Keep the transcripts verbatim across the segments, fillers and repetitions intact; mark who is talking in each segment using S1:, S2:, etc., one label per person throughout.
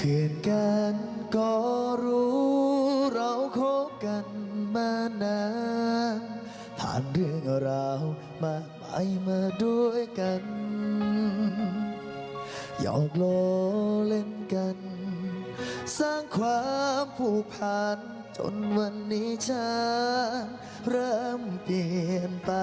S1: พื่อนกันก็รู้เราคบกันมานานผ่านเรื่องราวมากมายมาด้วยกันหยอกล้อเล่นกันสร้างความผูกพันจนวันนี้ฉันเริ่มเปลี่ยนไป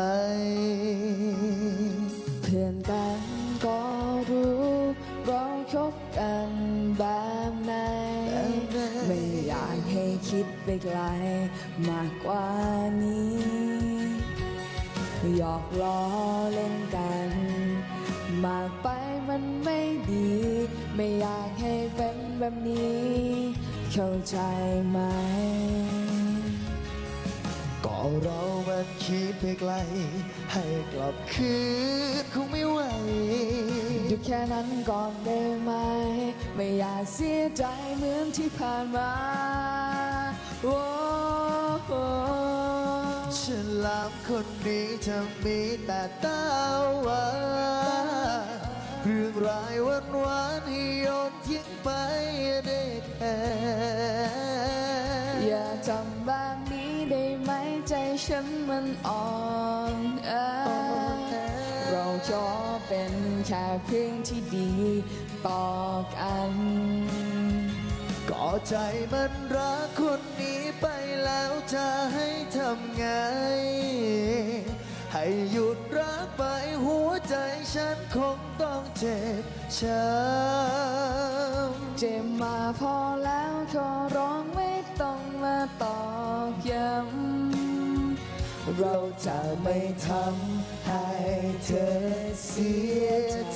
S2: เพื่อนกันก็รู้เราคบกันแบบไหนไม่อยากให้คิดไปไกลมากกว่านี้หยอกล้อเล่นกันมากไปมันไม่ดีไม่อยากให้เป็นแบบนี้เข้าใจไหม
S1: ก็เรามันคิดไปไกลให้กลับคืนคงไม่ไหว
S2: หยุดแค่นั้นก่อนได้ไหมไม่อยากเสียใจเหมือนที่ผ่านมาโอ้โห
S1: ฉันลามคนนี้จะมีแต่ตาหวานเรื่องรายวันวานให้โยนทิ้งไปได้แค่
S2: อย่าทำแบบนี้ได้ไหมใจฉันมันอ่อนแอเราขอเป็นแค่เพียงที่ดีต่อกัน
S1: ก็ใจมันรักคนนี้ไปแล้วจะให้ทำไงให้หยุดรักไปหัวใจฉันคงต้องเจ็บช้ำ
S2: เจ็บมาพอแล้วขอร้องไม่ต้องมาตอกย้ำเราจะไม่ทำให้เธอเสียใจ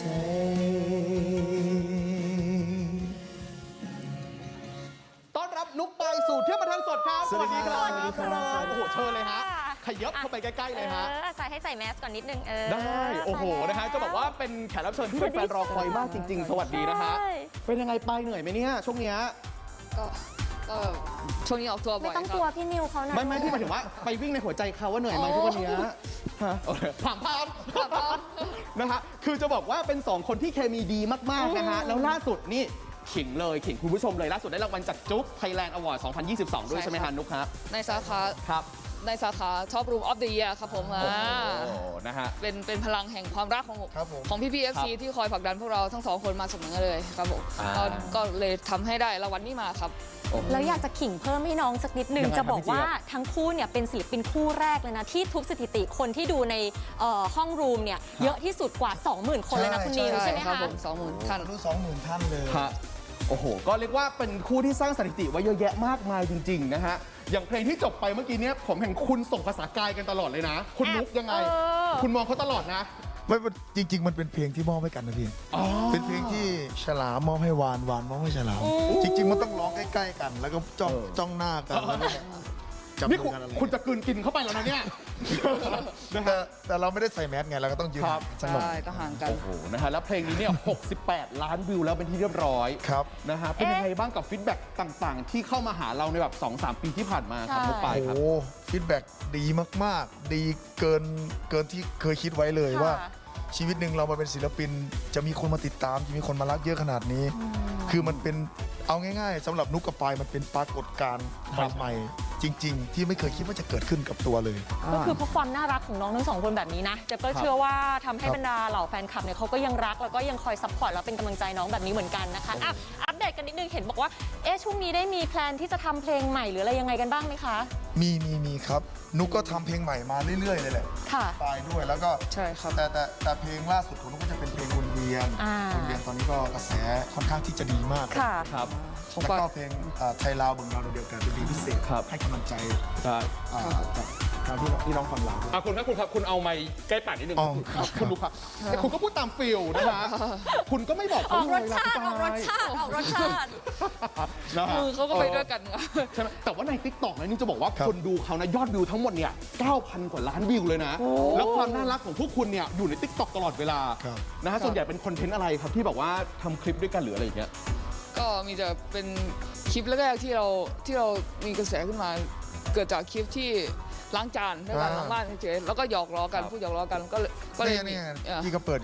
S3: ต้อนรับนุ๊กไปสู่เที่ยวบันเทิงสดครับสวัสดีครับ
S1: สวัสดีครับ
S3: โอ้โหเชิญเลยฮะขยับเข้าไปใกล้ๆเลยฮะ
S4: ใส่ให้ใส่แมสก่อนนิดนึงเออ
S3: ได้โอ้โหนะฮะจะบอกว่าเป็นแขกรับเชิญที่เป็นแฟนรอคอยมากจริงๆสวัสดีนะฮะเป็นยังไงไปเหนื่อยไหมเนี่ยช่วงเนี้ย
S2: ก็ก็ช่วงนี้ออกทัวร์บ่อย
S4: ไม่ต้องกลัวพี่นิวเขานะ
S3: ไม่ไม่ที่หมายถึงว่าไปวิ่งในหัวใจเขาว่าเหนื่อยไหมทุกวันนี้ฮะถามพามนะฮะคือจะบอกว่าเป็นสองคนที่เคมีดีมากๆนะฮะแล้วล่าสุดนี่ขิงเลยขิงคุณผู้ชมเลยล่าสุดได้รางวัลจากจุ๊บไทยแลนด์อวอร์ด สองพันยี่สิบสอง ด้วยใช่ไหมฮะนุ๊กครับ
S2: ในสาขา
S3: ครับ
S2: ในสาขา Top Room of the Year ครับผมอ่า
S3: นะฮะ
S2: เป็นเป็นพลังแห่งความรักของ
S1: ครับผม
S2: ของพี่พี่ เอฟ ซี ที่คอยผลักดันพวกเราทั้งสองคนมาเสมอเลยครับผมก็ก็เลยทำให้ได้รางวัลนี้มาครับ
S4: แล้วอยากจะขิงเพิ่มให้น้องสักนิดนึงจะบอกว่าทั้งคู่เนี่ยเป็นศิลปินคู่แรกเลยนะที่ทุบสถิติคนที่ดูในห้องรูมเนี่ยเยอะที่สุดกว่า สองหมื่น คนเลยนะคุณนิวใช่ไหมคะ
S2: สองหมื่นท่าน
S1: รู้สองหมื่นท่านเลย
S3: โอ้โหก็เรียกว่าเป็นคู่ที่สร้างสถิติไว้เยอะแยะมากมายจริงๆนะฮะอย่างเพลงที่จบไปเมื่อกี้เนี้ยผมเห็นคุณส่งภาษากายกันตลอดเลยนะคุณนุ๊กยังไงคุณมองเขาตลอดนะ
S1: ไม่จริงๆมันเป็นเพลงที่มอบให้กันนะพี่เป็นเพลงที่ฉลามมอบให้วานวานมอบให้ฉลามจริงๆมันต้องร้องใกล้ๆกันแล้วก็จ้องจ้องหน้ากัน
S3: นี่คุณจะกลืนกินเข้าไปแล้วนะเนี่ย
S1: แต่แต่เราไม่ได้ใส่แมสไงเราก็ต้องยืน
S2: ใช่ต้องห่างกัน
S3: โอ้โหนะฮะแล้วเพลงนี้เนี่ยหกสิบแปดล้านวิวแล้วเป็นที่เรียบร้อย
S1: ครับ
S3: นะฮะเป็นยังไงบ้างกับฟีดแบ็กต่างๆที่เข้ามาหาเราในแบบ สองสาม ปีที่ผ่านมาครับนุ๊กไปครับ
S1: โอ้ฟีดแบ็กดีมากๆดีเกินเกินที่เคยคิดไว้เลยว่าชีวิตหนึ่งเรามาเป็นศิลปินจะมีคนมาติดตามจะมีคนมารักเยอะขนาดนี้คือมันเป็นเอาง่ายๆสำหรับนุ๊กกับปายมันเป็นปรากฏการณ์ใหม่ๆจริงๆที่ไม่เคยคิดว่าจะเกิดขึ้นกับตัวเลย
S4: ก็คือเพราะความน่ารักของน้องทั้งสองคนแบบนี้นะจะก็เชื่อว่าทำให้บรรดาเหล่าแฟนคลับเนี่ยเขาก็ยังรักแล้วก็ยังคอยซัพพอร์ตแล้วเป็นกำลังใจน้องแบบนี้เหมือนกันนะคะอ่ะอัปเดตกันนิดนึงเห็นบอกว่าเอ๊ะช่วงนี้ได้มีแพลนที่จะทำเพลงใหม่หรืออะไรยังไงกันบ้างไหมคะ
S1: มีมีมีครับนุ๊กก็ทำเพลงใหม่มาเรื่อยๆเลยแหละ
S4: ค่ะ
S1: ปายด้วยแล้วก็
S2: ใช่ครับ
S1: แต่แต่แต่เพลงล่าสุดของนุ๊กก็จะเป็นเพลงวนเวียนวนเวียนตอนนี้ก็กระแสค่อนข้างที่จะดีมาก
S4: ค่ะ
S3: ครับ
S1: แล้วก็เพลงไทยลาวเบิ่งเราเดียวกันเป็นเพลงพิเศษให้กำลังใจจากทางที่น้องฟังเรา
S3: อ่ะคุณครับคุณครับคุณเอาไมค์ใกล้ปากนิดนึงคุณดูครับแต่คุณก็พูดตามฟิลนะคะคุณก็ไม่บอก
S4: ออกรสชาติออกรสชาติออกรสชาติ
S2: มือเขาก็ไปด้วยกัน
S3: ใช่ไหมแต่ว่าใน ติ๊กต็อก นะนี่จะบอกว่าคนดูเขานะยอดวิวทั้งหมดเนี่ย เก้าพัน กว่าล้านวิวเลยนะแล้วความน่ารักของพวกคุณเนี่ยอยู่ใน ติ๊กต็อก ตลอดเวลานะฮะส่วนใหญ่เป็นคอนเทนต์อะไรครับที่แบบว่าทำคลิปด้วยกันหรืออะไรอย่างเงี้ย
S2: ก็มีแต่เป็นคลิปแรกๆที่เราที่เรามีกระแสขึ้นมาเกิดจากคลิปที่ล้างจานด้วยกันล้างบ้านเฉยๆแล้วก็หยอกล้อกันพูดหยอกล้อกันก็เลยก็เลย
S1: นี่พี่ก็เปิดอยู่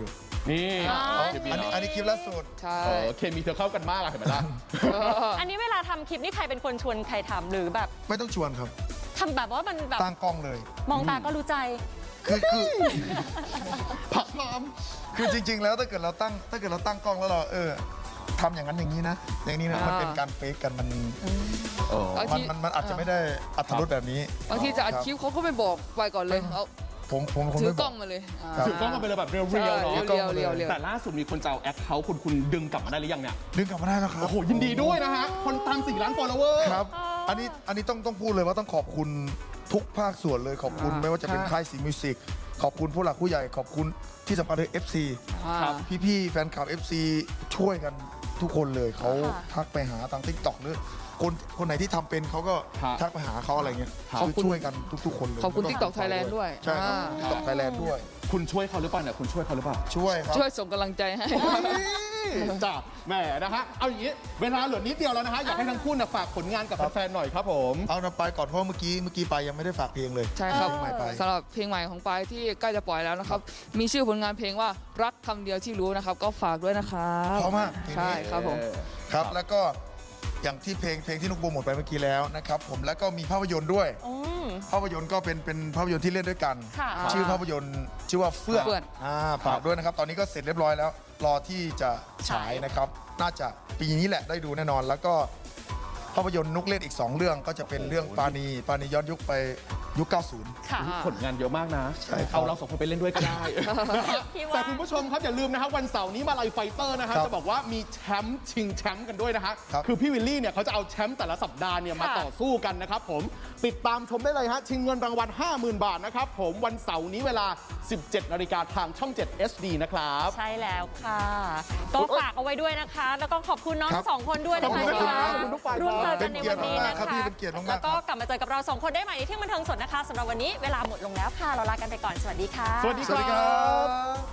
S3: นี่
S4: อ๋อ
S3: เคมี
S1: อันนี้อันนี้คลิปล่าสุด
S2: ใช่
S3: เออเคมีเธอเข้ากันมากอะเห็นไหมล่ะ
S4: อันนี้เวลาทำคลิปนี่ใครเป็นคนชวนใครทำหรือแบบ
S1: ไม่ต้องชวนครับ
S4: ทำแบบว่ามันแบบ
S1: ตั้งกล้องเลย
S4: มองตาก็รู้ใจ
S1: คือคือ
S3: ผักน้
S1: คือจริง ๆ แล้วถ้าเกิดเราตั้งถ้าเกิดเราตั้งกล้องแล้วเราเออทำอย่างนั้นอย่างนี้นะ อย่างนี้นะ
S2: อ่ามั
S1: มันเป็นการเฟกกันมัน
S3: ำเออ
S2: บาง
S1: มัน
S2: ที
S1: มันมันอาจจะไม่ได้อัตรสแบบนี้
S2: บางทีจะอัดคลิปเขาก็ไม่บอกไปก่อนเลยเอา
S1: ผมผมผม
S2: ถือ
S1: ไม่บ
S2: กล้องมาเลย
S1: ครับ
S3: ถือกล้องมาเป็นเลยแบบเรียว
S2: ใช่
S3: ๆเนาะ
S2: เรียวๆเรียวๆเรียว
S3: แต่ล่าสุดมีคนจะเอาแอคเคาท์คุณคุณดึงกลับมาได้หรือยังเนี่ย
S1: ดึงกลับมาได้แล้วครับ
S3: โอ้โหยินดีด้วยนะฮะ คนตามสี่ล้าน follower
S1: ครับ อันนี้อันนี้ต้องต้องพูดเลยว่าต้องขอบคุณทุกภาคส่วนเลยขอบคุณ
S2: อ่า
S1: ไม่ว่าจะเป็น
S3: ค่ะ
S1: ค่ายสีมิวสิกขอบคุณผู้หลักผู้ใหญ่ขอบคุณที่สำคัญคือ เอฟ ซี
S2: อ่า
S3: ครับ
S1: พี่ๆแฟนคลับ เอฟ ซี ช่วยกันทุกคนเลยเขา
S4: ค่ะ
S1: ทักไปหาทางทิกตอกหรือคนคนไหนที่ทำเป็นเขาก็
S3: ครับ
S1: ทักไปหาเขาอะไรเงี้ย
S3: ครับ
S1: คือช่วยกันทุกๆคนเลย
S2: ขอบคุณ
S1: แล้ว
S2: TikTok Thailand ด้วย
S1: ใช่ครับ
S2: อ่า
S1: ทิกตอกไทยแลนด์ด้วย
S3: คุณช่วยเขาหรือเปล่าเนี่ยคุณช่วยเขาหรือเปล่า
S1: ช่วยครับ
S2: ช่วยส่งกำลังใจให้
S3: จ้าแหมนะฮะเอาอย่างนี้เวลาเหลือนิดเดียวแล้วนะฮะอยากให้ทั้งคู่น่ะฝากผลงานกับแฟนๆหน่อยครับผม
S1: เอานะไปก่อนเพราะเมื่อกี้เมื่อกี้ไปยังไม่ได้ฝากเพลงเลย
S2: ใช่ครับ
S1: เพลงใหม่ไป
S2: สำหรับเพลงใหม่ของปายที่ใกล้จะปล่อยแล้วนะครับ มีชื่อผลงานเพลงว่ารักคำเดียวที่รู้นะครับ ก็ฝากด้วยนะครับ
S1: เพราะมากเพลงนี้
S2: ใช่ครับผม
S1: ครับแล้วก็อย่างที่เพลงเพลงที่นุกโปรโมทไปเมื่อกี้แล้วนะครับผมแล้วก็มีภาพยนตร์ด้วย
S4: อืม
S1: ภาพยนตร์ก็เป็นเป็นภาพยนตร์ที่เล่นด้วยกัน
S4: ค่ะ
S1: ชื่อภาพยนตร์ชื่อว่าเฟื่อง
S2: เฟื่อง
S1: อ่าฝากด้วยนะครับ ตอนนี้ก็เสร็จเรียบร้อยแล้ว รอที่จะฉายนะครับ น่าจะปีนี้แหละได้ดูแน่นอน แล้วก็ภาพยนตร์นุกเล่นอีก สอง เรื่องก็จะเป็นเรื่องปาณีปาณีย้อนยุคไปยุค เก้าสิบ
S4: ค่ะ
S3: ผลงานเยอะมากนะ
S1: ใช่ครับ
S3: เอาเราสองคนไปเล่นด้วยก็ได้
S4: พี่ว่า
S3: แต่คุณผู้ชมครับอย่าลืมนะครับวันเสาร์นี้มาลัยไฟเตอร์นะฮะ
S1: ครับ
S3: จะบอกว่ามีแชมป์ชิงแชมป์กันด้วยนะฮะ
S1: ครับ
S3: คือพี่วิลลี่เนี่ยเขาจะเอาแชมป์แต่ละสัปดาห์เนี่ยมา
S4: ค่ะ
S3: ต่อสู้กันนะครับผมติดตามชมได้เลยฮะชิงเงินรางวัล ห้าหมื่น บาทนะครับผมวันเสาร์นี้เวลา สิบเจ็ดนาฬิกาทางช่อง เจ็ด เอช ดี นะครับ
S4: ใช่แล้วค่ะ ก็ฝากเอาไว้ด้วยนะคะ แล้วก็ขอบคุณน้อง
S1: ครับ
S4: ทั้งสองคนด้วยนะคะ
S3: ขอบคุณ
S4: ที่
S3: ครับ
S4: มา
S3: ขอบคุณทุกฝ่าย
S4: ร่วมเจอ
S1: เป็
S4: กัน
S1: น
S4: ใน
S1: เกีย
S4: วั
S1: ร
S4: น
S1: ติ
S4: นี้
S1: มาก
S4: นะ
S1: ๆครับ
S4: คะ
S1: พี่เป็นเกียรติมากๆ
S4: แล้วก็
S1: ครับ
S4: กลับมาเจอกับเราสองคนได้ใหม่ในเที่ยงบันเทิงสดนะคะสำหรับวันนี้เวลาหมดลงแล้วค่ะ เราลากันไปก่อนสวัสดีค่ะ
S3: สวัสดี
S1: สวัสดีครับ